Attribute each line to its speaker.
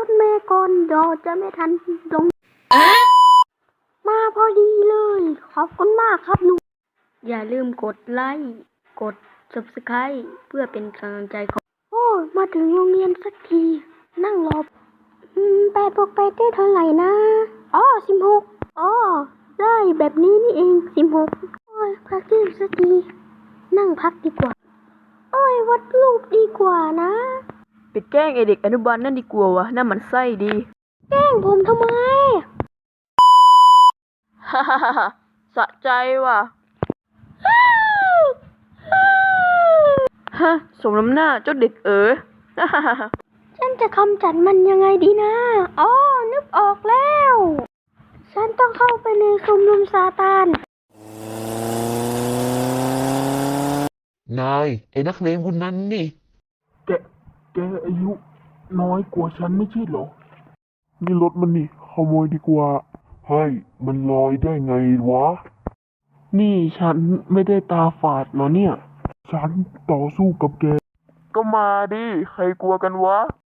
Speaker 1: ถเมล์ก่อนเดี๋ยวจะไม่ทันลงมาพอดีเลยขอบคุณมากครับลุงอย่าลืมกดไลค์กด Subscribe เพื่อเป็นกำลังใจของโอ้มาถึงโรงเรียนสักทีนั่งรอ8 บวก 8ได้เท่าไหร่นะอ๋อ16อ๋อได้แบบนี้นี่เอง16โอ้ยพักเที่ยงสักทีนั่งพักดีกว่าโอ้ยวาดรูปดีกว่านะ
Speaker 2: ไปแกล้งไอเด็กอนุบาลนั่นดีกว่าวะน่ามันไส้ดี
Speaker 1: แกล้งผมทำไม
Speaker 2: ฮ่าฮ่าฮ่าสะใจว่ะฮะสมน้ำหน้าเจ้าเด็กฮ่าฮ่าฮ่า
Speaker 1: ฉันจะกำจัดมันยังไงดีนะอ๋อนึกออกแล้ว ฉันต้องเข้าไปในชุมนุมซาตาน
Speaker 3: นายไอ้นักเลงคนนั้นนี่
Speaker 4: แกแกอายุน้อยกว่าฉันไม่ใช่เหรอ นี่รถมันนี่ขโมยดีกว่าเฮ้ยมันลอยได้ไงวะ นี่ฉันไม่ได้ตาฝาดเหรอเนี่ย ฉันต่อสู้กับแก ก็มาดิ ใครกลัวกันวะ